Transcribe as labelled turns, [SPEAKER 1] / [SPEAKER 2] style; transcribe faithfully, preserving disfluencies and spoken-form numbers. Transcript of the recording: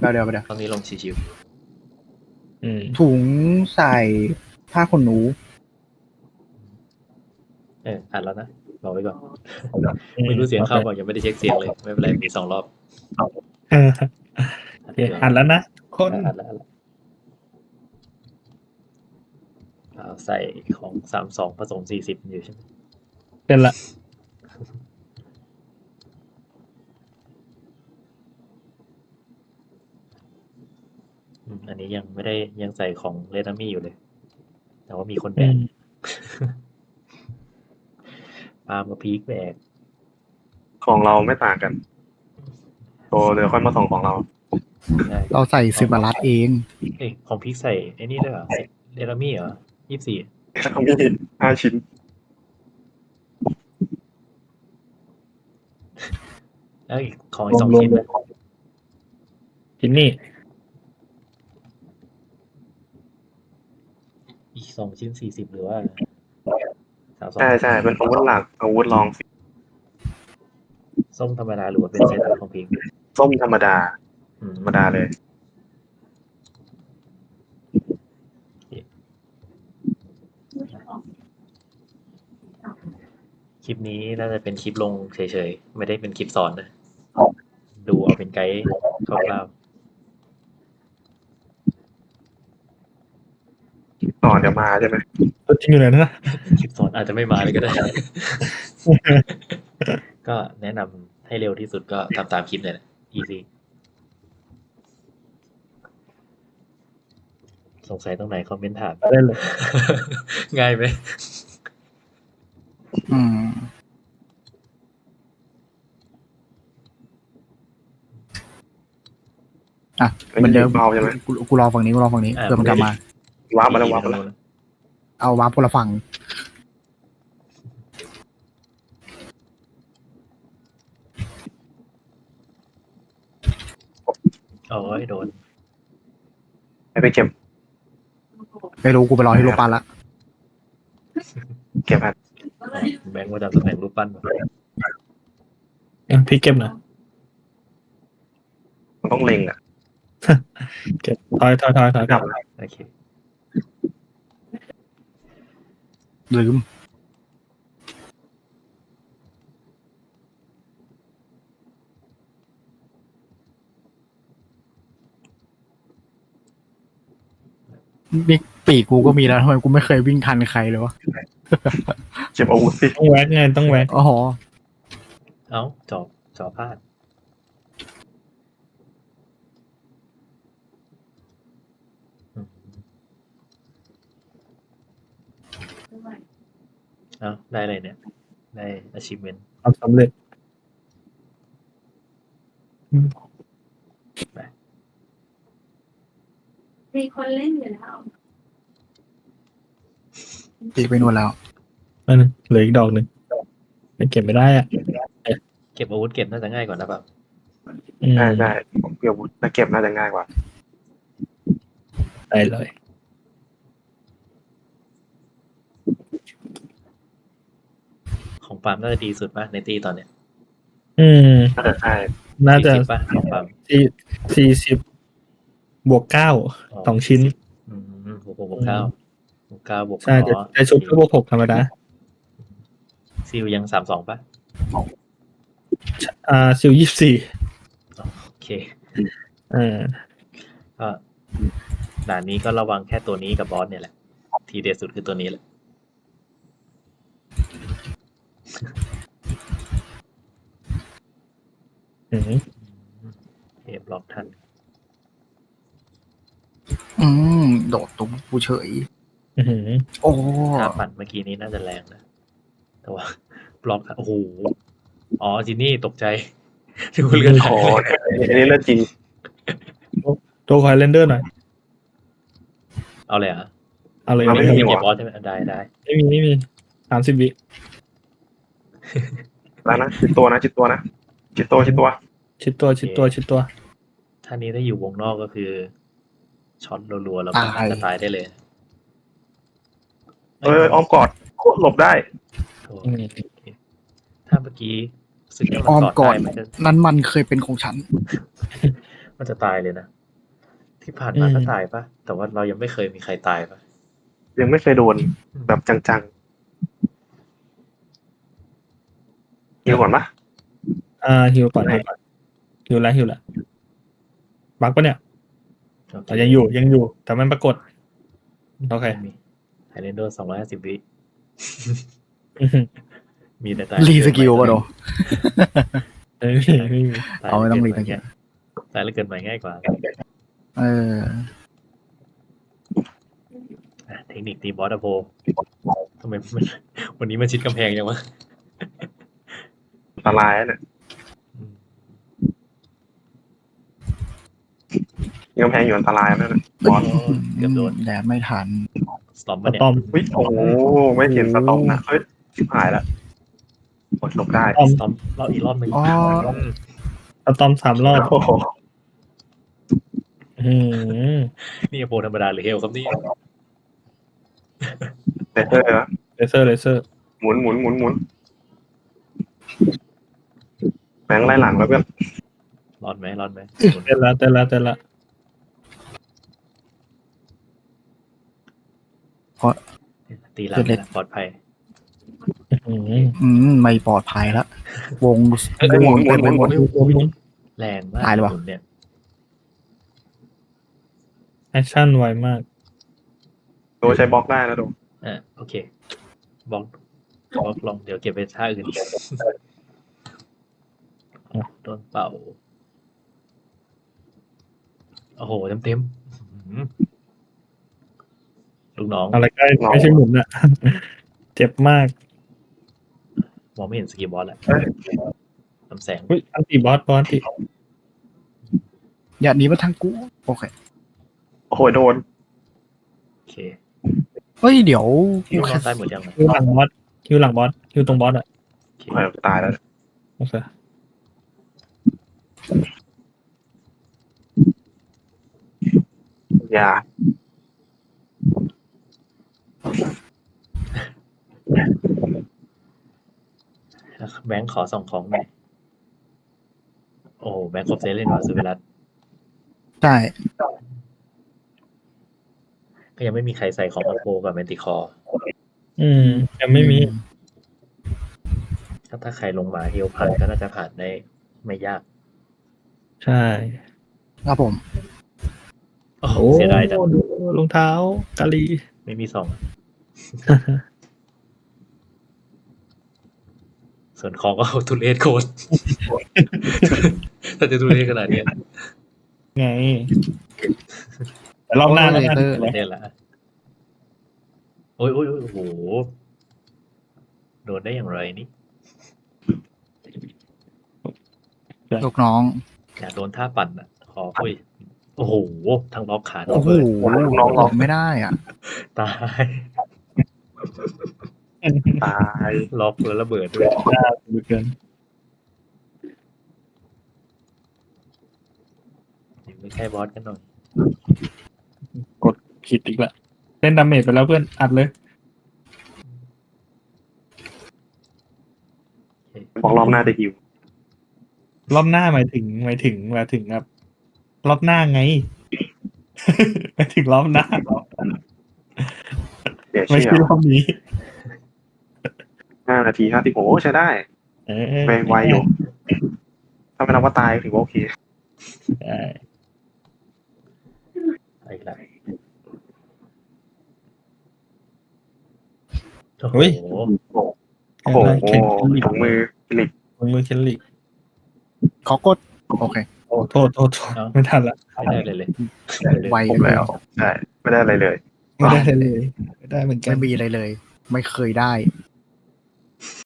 [SPEAKER 1] เราเดี๋ยวไปเดี๋ยว
[SPEAKER 2] ตอนนี้ลงชิว
[SPEAKER 3] อืม
[SPEAKER 1] ถุงใส่ผ้าขนหนู
[SPEAKER 2] ๆเอออัดแล้วนะบอกไว้ก่อนไม่รู้เสียงเข้าเปล่ายังไม่ได้เช็คเสียงเลยไม่เป็นไรมีสองรอบ
[SPEAKER 3] เออ
[SPEAKER 2] อัด
[SPEAKER 3] โอเค
[SPEAKER 2] เดี๋ยว
[SPEAKER 3] อัดแล้วนะคน
[SPEAKER 2] อัดแล้วอัดแล้วเอาใส่ของสามสองผสมสี่สิบอยู่ใช่ไหม
[SPEAKER 3] เป็นละ
[SPEAKER 2] อืมอันนี้ยังไม่ได้ยังใส่ของเลนามี่อยู่เลย แต่ว่ามีคนแบ
[SPEAKER 3] อื
[SPEAKER 2] ก
[SPEAKER 3] ม
[SPEAKER 2] ปาล์มกับพีคแบก
[SPEAKER 4] ของเราไม่ต่างกันโตเดี๋ยวค่อยมาส่งของเรา
[SPEAKER 2] ได้
[SPEAKER 1] เราใส่สิบมารัดเอง
[SPEAKER 2] เอ้ยของพีคใส่ไอ้นี่ด้วยเหรอเลนามี่เหรอยี่สิบสี่
[SPEAKER 4] เขามีห้าชิ้น
[SPEAKER 2] แล้วอีกของอีกสองชิ้นนะ
[SPEAKER 3] ชิ้นนี่
[SPEAKER 2] อีกสองชิ้นสี่สิบหรือว่าสามสอง
[SPEAKER 4] ใช่ใช่เป็นอาวุธหลักอาวุธรอง
[SPEAKER 2] ส้มธรรมดาหรือว่าเป็นเซตของพีค
[SPEAKER 4] ส้มธรรมดา
[SPEAKER 2] อืม
[SPEAKER 4] ธรรมดาเลย
[SPEAKER 2] คลิปนี้น่าจะเป็นคลิปลงเฉยๆ ไม่ได้เป็นคลิปสอนนะ ดูเอาเป็นไกด์คร่าว
[SPEAKER 4] ต่อเดี๋ยวมาใช่ไหม
[SPEAKER 3] ตัวจริงอยู่ไหนนะ
[SPEAKER 2] ๆ คลิปสอนอาจจะไม่มาเลยก็ได้ ก็แนะนำให้เร็วที่สุดก็ทำตามคลิปเลยนะ easy สงสัยตรงไหนคอมเมนต์ถาม
[SPEAKER 3] ได้เลย
[SPEAKER 2] ง่ายไหม
[SPEAKER 1] อืมอ่ะเหมือนเดิม
[SPEAKER 4] เบาใช่ไหม
[SPEAKER 1] กูกูรอฝั่งนี้กูรอฝั่งนี้
[SPEAKER 2] อ่า
[SPEAKER 1] เพื่อมันกลับมา
[SPEAKER 4] ว้าร์ปมาแล้วว้าร์ปมาแล้ว
[SPEAKER 1] เอาวาร์ปคนละฝั่ง
[SPEAKER 2] โอ้ยโดน
[SPEAKER 4] ให้ไปเก็บ
[SPEAKER 1] ไม่รู้กูไปรอที่โรปันละ
[SPEAKER 4] เก็บครับ
[SPEAKER 2] แบงค์ว่าจำตำแหน่งรูปปั้นมา
[SPEAKER 3] เอ็มพี่เก็บหนะ
[SPEAKER 4] มันต้องเล็งอ่ะ
[SPEAKER 3] เก็บถอยถอยถอยถอยกลับ
[SPEAKER 2] โอเค
[SPEAKER 1] ลืมนี่ปีกกูก็มีแล้วทำไมกูไม่เคยวิ่งทันใครเลยวะ
[SPEAKER 4] เก็บอาวุธสิ
[SPEAKER 3] ต้องแวกไงต้องแวก
[SPEAKER 1] อ๋อ
[SPEAKER 2] เอ้าจอบจอบพลาดอืมเอ้าได้เลยเนี่ย ได้ achievement
[SPEAKER 3] ทำสำเร็จ
[SPEAKER 5] มีคนเล่นอยู่แล้ว
[SPEAKER 1] ปีกไปนู่นแล้ว
[SPEAKER 3] อันนึงเหลืออีกดอกหนึ่งยังเก็บไม่ได้อ่ะ
[SPEAKER 2] เก็บอาวุธเก็บน่าจะง่ายกว่านะแบบ
[SPEAKER 3] อืม
[SPEAKER 4] ใช่ใช่ผมเก็บอาวุธแล้วเก็บน่าจะง่ายกว่า
[SPEAKER 3] ได้เลย
[SPEAKER 2] ของปาล์มน่าจะดีสุดป่ะในตีตอนเนี้ย
[SPEAKER 3] อืม
[SPEAKER 4] น่าจะใช่
[SPEAKER 3] น่าจะ
[SPEAKER 2] สี่สิบป่ะของปาล์ม
[SPEAKER 3] สี่สี่สิบบวกเก้าสองชิ้น
[SPEAKER 2] อืมบวกหกบวกเก้าบวกเก้าบวก
[SPEAKER 3] ใช่แต่
[SPEAKER 2] อ๋อ
[SPEAKER 3] แต่ชุดก็บวกหกธรรมดา
[SPEAKER 2] ซิลยังสามสองป่ะ
[SPEAKER 3] อ่าซิลยี่สิบสี่
[SPEAKER 2] โอเค
[SPEAKER 3] เออ
[SPEAKER 2] ก็ด่านนี้ก็ระวังแค่ตัวนี้กับบอสเนี่ยแหละ ทีเด็ดสุดคือตัวนี้แหละ
[SPEAKER 3] อืม
[SPEAKER 2] เอฟล็อกทัน
[SPEAKER 1] อืมโดดตุ้มกูเฉย
[SPEAKER 3] อืม
[SPEAKER 1] โอ้
[SPEAKER 2] ถ้าปั่นเมื่อกี้นี้น่าจะแรงนะ แต่ว่า บล็อกทันโอ้โห อ๋อจินนี่ตกใจ ที่คุณเลือนหา
[SPEAKER 4] โอ้
[SPEAKER 2] ย
[SPEAKER 4] อันนี้เรื่องจริง
[SPEAKER 3] ตัวคอยเรนเดอร์หน่อย
[SPEAKER 2] เอาเลยเหรอ่ะ
[SPEAKER 3] เอาเลย
[SPEAKER 4] เอา
[SPEAKER 3] เอา
[SPEAKER 4] เล
[SPEAKER 3] เลย ย
[SPEAKER 2] ไม่มีเก็บบอสใช่ไหมได้ได้
[SPEAKER 3] ไม่มีไม่มีสามสิบวิ
[SPEAKER 4] แล้วนะจิตตัวนะจิตตัวนะจิตตัวจิตตัว
[SPEAKER 3] ชิดตัวชิดตัวชิดตัว
[SPEAKER 2] ท่านี้ถ้าอยู่วงนอกก็คือช็อตรัวๆแล้วก็จะตายได้เลย
[SPEAKER 4] เอออ้อมกอดโคตรหลบได้
[SPEAKER 2] โอ้
[SPEAKER 3] อืม
[SPEAKER 2] ถ้าเมื่อกี้รู้สึกว่า
[SPEAKER 1] อ้อม
[SPEAKER 2] มัน
[SPEAKER 1] ก่
[SPEAKER 2] ก
[SPEAKER 1] อ
[SPEAKER 2] อน ดได้มันจะ
[SPEAKER 1] นั้นมันเคยเป็นของฉัน
[SPEAKER 2] มันจะตายเลยนะ ที่ผ่านมาก็ตายปะแต่ว่าเรายังไม่เคยมีใครตายปะ
[SPEAKER 4] ยังไม่เคยโดนแบบจังๆฮิวก่อนปะ
[SPEAKER 3] อ่าฮิวก่อนฮิวก่อนฮิวแล้วฮิวแล้วบักปะเนี่ย
[SPEAKER 2] โอเค
[SPEAKER 3] แต่ยังอยู่ยังอยู่ แต่มันปรากฏโอเค
[SPEAKER 2] ไม่มีไฮเรนเดอร์สองร้อยห้าสิบวิ
[SPEAKER 3] อื้อหือ
[SPEAKER 2] มีแต่ตาย
[SPEAKER 1] รีสกิลป่ะโด
[SPEAKER 3] ไม่มีไม่มี
[SPEAKER 2] ตาย
[SPEAKER 1] เอาไม่ต้องรี
[SPEAKER 2] แล้ว
[SPEAKER 1] สกิ
[SPEAKER 2] เกิ
[SPEAKER 1] ล
[SPEAKER 2] ดใหม่ตายแล้วเกิดใหม่ง่ายกว่า
[SPEAKER 1] เออ
[SPEAKER 2] อ่ะเทคนิคตีบอสอะโพทำไมมันวันนี้มันชิดกำแพงยังวะ
[SPEAKER 4] อันตรายนะเนี่ย
[SPEAKER 2] อืม
[SPEAKER 4] ยังแพงอยู่อันตรายนั่นนะบอส
[SPEAKER 2] โอ้เกือบโดน
[SPEAKER 1] แดดไม่ทัน
[SPEAKER 2] สตอม
[SPEAKER 3] ส
[SPEAKER 2] มาเนี่ย
[SPEAKER 3] ตอม
[SPEAKER 4] อุ้ยโอ้โหไม่เห็นสตอมนะเฮ้ยชิบหายแล้วกดหลบได้
[SPEAKER 3] ตอม
[SPEAKER 2] สตอมรอบอีกรอบหนึ่ง
[SPEAKER 1] อ๋อ
[SPEAKER 2] ม
[SPEAKER 3] สตอมสามรอบ
[SPEAKER 4] โอ้โห
[SPEAKER 3] อืม
[SPEAKER 2] นี่อโพธรรมดาหรือเฮลครับนี่
[SPEAKER 4] เลเซอร์นะ
[SPEAKER 3] เลเซอร์เลเซอร์
[SPEAKER 4] หมุนหมุนหมุนหมุนแบงค์ไล่หลังแล้วเพื่อน
[SPEAKER 2] รอดไหมรอดไหม
[SPEAKER 3] เต้นละเต้นละเต้นละ
[SPEAKER 2] ตีหลังเลยนะปลอดภัย
[SPEAKER 3] อืม
[SPEAKER 1] อืมไม่ปลอดภัยละวง
[SPEAKER 3] เอ้ย
[SPEAKER 1] วงเต็มไปหมด
[SPEAKER 3] หมุนหมุน
[SPEAKER 2] แรงมาก
[SPEAKER 1] ตายเลยวะ
[SPEAKER 2] หมุนเนี่ย
[SPEAKER 3] แอคชั่นไวมาก
[SPEAKER 4] โดใช้บล็อกได้นะโด
[SPEAKER 2] อ่ะโอเคบล็อกบล็อกลองเดี๋ยวเก็บไปท่าอื่นโดนเป่าโอ้โหเต็มเต็มๆอื้อหือลูกน้อง
[SPEAKER 3] อะไรใกล้ไม่ใช่หมุนอะ เจ็บมาก
[SPEAKER 2] มองไม่เห็นสกิลบอสแล้วลำแสง
[SPEAKER 3] อุ้ยอันติบอสบอสติ
[SPEAKER 1] อย่าหนีมาทางกู โอเค
[SPEAKER 4] โอ้โหโดน
[SPEAKER 2] โอเค
[SPEAKER 1] เฮ้ย เดี๋ยว
[SPEAKER 2] คิว
[SPEAKER 1] กู
[SPEAKER 2] น
[SPEAKER 1] แค่
[SPEAKER 2] อนใต้หมดยังไง
[SPEAKER 3] คิวหลังบอสคิวหลังบอสคิวตรงบอสอะ
[SPEAKER 2] โอเค
[SPEAKER 4] เออตายแล้ว
[SPEAKER 3] โอเค
[SPEAKER 4] อย่า
[SPEAKER 2] แบงค์ขอส่องของหน่อยโอ้โหแบงค์ครบเซตเลยว่ะสุเวลัส
[SPEAKER 1] ใช่
[SPEAKER 2] ก็ยังไม่มีใครใส่ของอโปกับแมนติคอร์
[SPEAKER 3] อืมยังไม่มี
[SPEAKER 2] ถ้าถ้าใครลงมาเฮลผ่านก็น่าจะผ่านได้ไม่ยาก
[SPEAKER 3] ใช่
[SPEAKER 1] ครับผม
[SPEAKER 2] โอ้โหเสียดายจัง
[SPEAKER 3] ดูรองเท้ากาลี
[SPEAKER 2] ไม่มีสองส่วนของก็ทุเรศโคตร ถ้าจะทุเรศขนาดเนี้ย
[SPEAKER 3] ไงแต่รอบหน้าแล้วกัน
[SPEAKER 1] Later
[SPEAKER 2] ไม่ได้ละโอ้ยโอ้ยโอ้ยโอ้โห โดนได้อย่างไรนี่
[SPEAKER 1] ลูกน้อง
[SPEAKER 2] อยากโดนท่าปั่นอ่ะ ขอคุยโอ้โห ทั้งล็อกขาทั้
[SPEAKER 1] โอ้
[SPEAKER 2] ง
[SPEAKER 1] โห
[SPEAKER 2] เบิร์ด
[SPEAKER 1] น้องหลอกไม่ได้อ่ะ
[SPEAKER 2] ตาย
[SPEAKER 4] ตาย
[SPEAKER 2] ล็อกแล้วระเบิดด้วย
[SPEAKER 3] ดูเกิน
[SPEAKER 2] ไม่ใช่บอสกันหน่อย
[SPEAKER 3] กดผิดอีกละเล่นดาเมจไปแล้วเพื่อนอัดเลย
[SPEAKER 4] บอกรอบหน้าจะฮิว
[SPEAKER 3] รอบหน้าหมายถึงหมายถึงหมายถึงครับรอบหน้าไง หมายถึงรอบหน้า
[SPEAKER 4] เดี๋ยว
[SPEAKER 3] ไม่
[SPEAKER 4] เชื่
[SPEAKER 3] ใช่
[SPEAKER 4] อ
[SPEAKER 3] รอบนี้
[SPEAKER 4] ห้านาทีห้าสิบโอ้ใช้ได้
[SPEAKER 3] เออ
[SPEAKER 4] ไปไวอยู่ ถ้าไม่นับว่าตายถือว่าโอเค
[SPEAKER 3] ใช่
[SPEAKER 2] อีกแล้ว
[SPEAKER 3] เฮ้ย
[SPEAKER 2] โอ้โห
[SPEAKER 4] โอ้โห
[SPEAKER 3] แข่งกันลีก
[SPEAKER 4] ถุงมือฟิลิป
[SPEAKER 3] มือเคนลิก
[SPEAKER 1] ขอกด โอเค
[SPEAKER 3] โอ้โทษโทษโทษไม่ทันละ
[SPEAKER 2] ไม่ได้เลยเลย
[SPEAKER 1] ไว
[SPEAKER 4] ครบแล้ว ใช่ ไม่ได้อะไรเลย
[SPEAKER 3] ไม่ได้เลยไม่ได้เหมือนกั
[SPEAKER 1] ไม่
[SPEAKER 3] น
[SPEAKER 1] มีอะไรเลย ไม่เคยได้